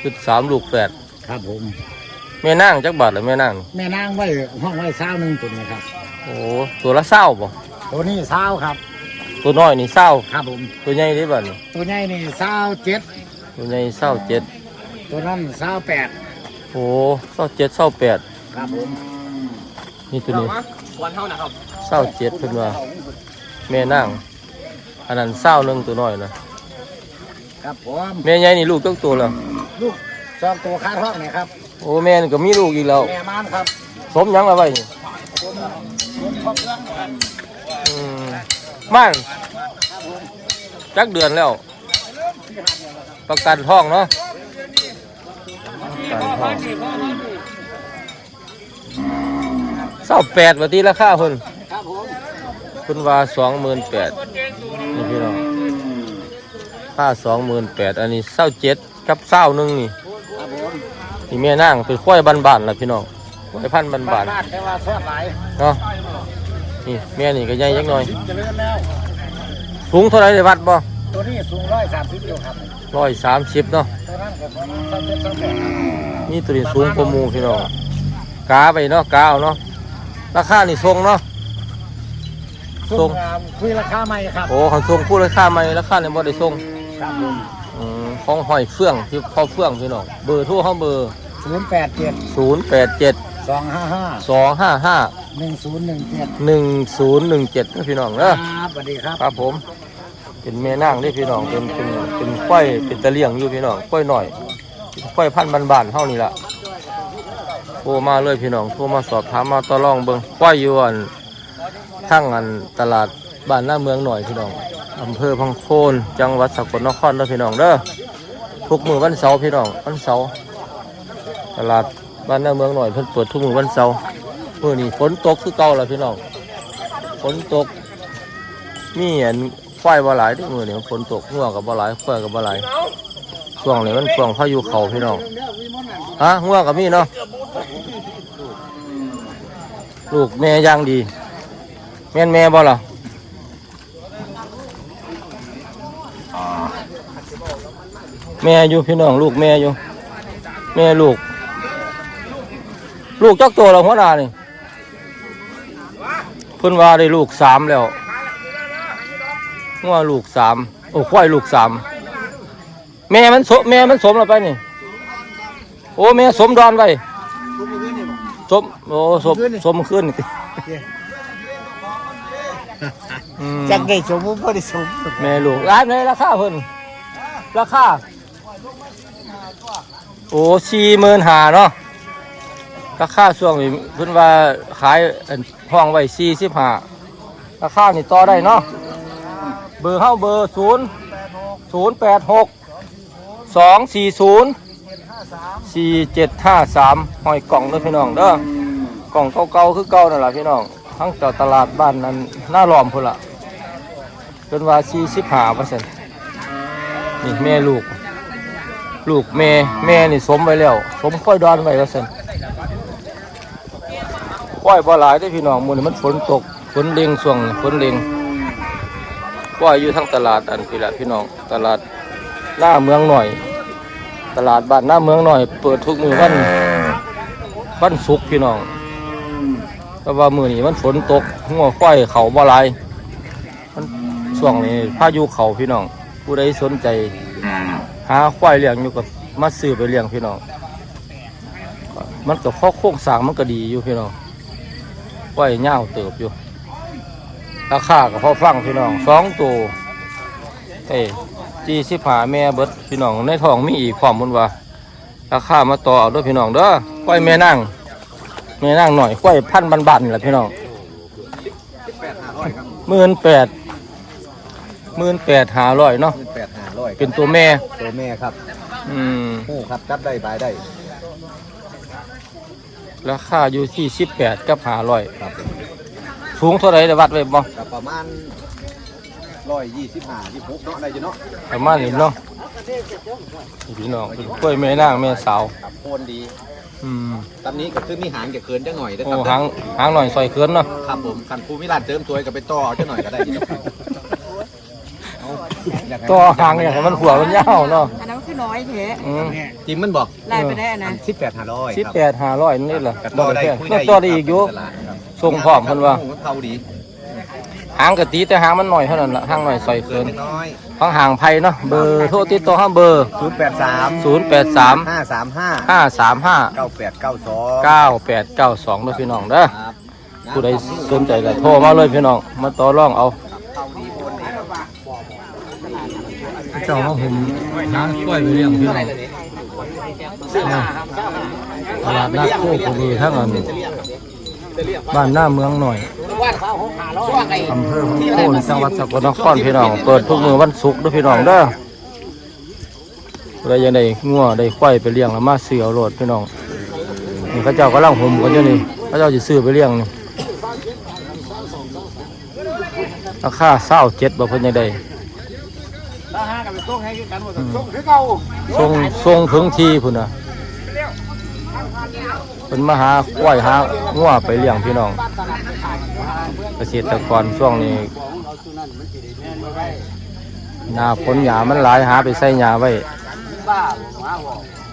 ชุด3ลูก8 ครับผมแม่นางจักบาทหรือแม่นางแม่นางไว้ห้องไว้เช้านึงตัวนี้ครับโอ้ตัวละ20บ่ตัวนี้เช้าครับตัวน้อยนี่20 ครับผมตัวใหญ่ได้บัดนี้ตัวใหญ่นี่27 ตัวใหญ่27 ตัวนั้น28 โอ้27 28 ครับผมนี่ตัวนี้วันเท่านะครับ 27เพิ่นว่าแม่นางอันนั้น21ตัวน้อยนะครับผมแม่ใหญ่นี่ลูกจักตัวแล้วลูก2ตัวคาท้องนี่ครับโอ้แม่นี่ก็มีลูกอีกแล้วแม่ม่านครับสมหยังละไว้นี่ผมครบเครื่องครับม่านจักเดือนแล้วประกันท้องเนาะประกันท้อง28ว่าตีราคาเพิ่นครับผมเพิ่นว่า28,000นี่พี่น้องค่า28,000อันนี้27กับ21นี่ครับผมนี่แม่นางเป็นควายบ้านๆล่ะพี่น้องควายพันธุ์บ้านๆแต่ว่าซอดหลายเนาะนี่แม่นี่ก็ใหญ่จักหน่อยเจริญแล้วสูงเท่าไหร่ได้วัดบ่ตัวนี้สูง130อยู่ครับ 130เนาะตัวนั้นก็27 นี่ตัวนี้สูงกว่าหมู่พี่น้องกาไปเนาะกาเอาเนาะราคานี่ทรงเนาะส่งคุยราคาใหม่ครับโอ้เขาทรงพูดราคาใหม่ราคาเนี่ยบ่ได้ทรงครับผมของหอยเฟื่องที่เข้าเฟื่องพี่น้องเบอร์โทรเขาเบอร์ 087 255 255 1017 1017นะพี่น้องเด้อครับสวัสดีครับครับผมเป็นแม่นางนี่พี่น้องเป็นควายเป็นตะเลี่ยงอยู่พี่น้องควายหน่อยควายพันธุ์บ้านๆเฮานี่ล่ะโทรมาเลยพี่น้องโทรมาสอบถามมาต่อรองเบิ่งควายอยู่อันทั้งอันตลาดบ้านหน้าเมืองหน่อยพี่น้องอำเภอพังโคนจังหวัดสกลนครเด้อพี่น้องเด้อทุกมื้อวันเสาร์พี่น้องวันเสาร์ตลาดบ้านหน้าเมืองหน่อยเพิ่นเปิดทุกมื้อวันเสาร์มื้อนี้ฝนตกคือเก่าล่ะพี่น้องฝนตกมีอันควายบ่หลายเด้อมื้อนี้ฝนตกงัวก็บ่หลายควายก็บ่หลายช่วงนี้มันช่วงพายุเข้าพี่น้องฮะงัวก็มีเนาะลูกแม่ย่างดีแม่นแม่บ่ล่ะแม่อยู่พี่น้องลูกแม่อยู่แม่ลูกจักตัวแล้วหัวหน้านี่เพิ่นว่าได้ลูก3แล้วงัวลูก3โอ้ควายลูก3แม่มันสมแล้วไปนี่โอ้แม่สมดอนไว้สมโอ้สมขึ้นจักได้สมมุติบ่ได้สมแม่ลูกร้านไหนราคาเพิ่นราคาโอ้45,000เนาะราคาช่วงนี้เพิ่นว่าขายห้องไว้45ราคานี่ต่อได้เนาะเบอร์เฮาเบอร์086 240 4753ห้อยกล่องเด้อพี่น้องเด้อกล่องเก่าๆคือเก่านั่นล่ะพี่น้องทั้งเจ้าตลาดบ้านนั้นหน้าล้อมพุ่นล่ะเพิ่นว่า45%นี่แม่ลูกแม่นี่สมไว้แล้วสมค่อยดอนไว้ว่าซั่นค่อยบ่หลายเด้อพี่น้องมื้อนี้มันฝนตกฝนเล็งช่วงฝนเล็งค่อยอยู่ทั้งตลาดอันพี่ละพี่น้องตลาดหน้าเมืองหน่อยตลาดบ้านหน้าเมืองหน่อยเปิดทุกมื้อวันศุกร์พี่น้องแต่ว่ามื้อนี้มันฝนตกงัวค่อยเขาบ่หลายมันช่วงนี้พายุเข้าพี่น้องผู้ใดสนใจหาควายเลี้ยงอยู่กับมาซื้อไปเลี้ยงพี่น้องมันก็โครงสร้างมันก็ดีอยู่พี่น้องควายยาวเติบอยู่ราคาก็พอฟังพี่น้อง2ตัว45แม่เบิดพี่น้องในท้องมีอีกความมุ่นว่าราคามาต่อเอาด้วยพี่น้องเด้อควายแม่นั่งหน่อยควายพันธุ์บ้านๆนี่แหละพี่น้อง18,500เนาะ 18,500 เป็นตัวแม่ครับโอ้ครับจับได้บายได้ราคาอยู่ที่18กับ500ครับสูงเท่าไหร่ได้วัดไว้บ่ประมาณ125-26เนาะได้อยู่เนาะประมาณนี้เนาะพี่น้องเป็นกล้วยแม่นางแม่สาวโคนดีตำนี้ก็คือมีหางจะเคินจังหน่อยได้ครับหางหน่อยซอยเคินเนาะครับผมคันภูมิราชเติมสวยก็ไปต่อจังหน่อยก็ได้ต่อหางอย่างมันหัวมันยาวเนาะน้อยแท้จิมมันบอกไล่ไปได้นะ 18,500 18,500นี่เหรอต่อได้คุยได้ต่อได้อีกอยู่ส่งพร้อมเพิ่นว่าเท่าดีหางกะตีแต่หางมันหน่อยเท่านั้นล่ะหางหน่อยใส่เกินน้อยฟังห่างไผเนาะเบอร์โทรติดต่อห้าเบอร์ 083 083 535 535 9892 9892ด้วยพี่น้องเด้อผู้ใดสนใจก็โทรมาเลยพี่น้องมาต่อรองเอาเจ้ามาผมหากล้วยไปเลี้ยงพี่น้องตลาดนัดโคกระบือทั้งอันบ้านหน้าเมืองหน่อยอำเภอโพนจังหวัดสกลนครพี่น้องเปิดทุกมื้อวันศุกร์ด้วยพี่น้องเด้อผู้ใดยังได้งัวได้ควายไปเลี้ยงแล้วมาซื้อเอาโลดพี่น้องนี่เขาเจ้ากำลังห่มกันอยู่นี่เขาเจ้าจะซื้อไปเลี้ยงนี่ราคา27บ่เพิ่นยังได้ส่งถึงทีพุ่นน่ะเป็นมาหาควายหางัวไปเลี้ยงพี่น้องเกษตรกรช่วงนี้หน้าฝนหญ้ามันหลายหาไปใส่หญ้าไว้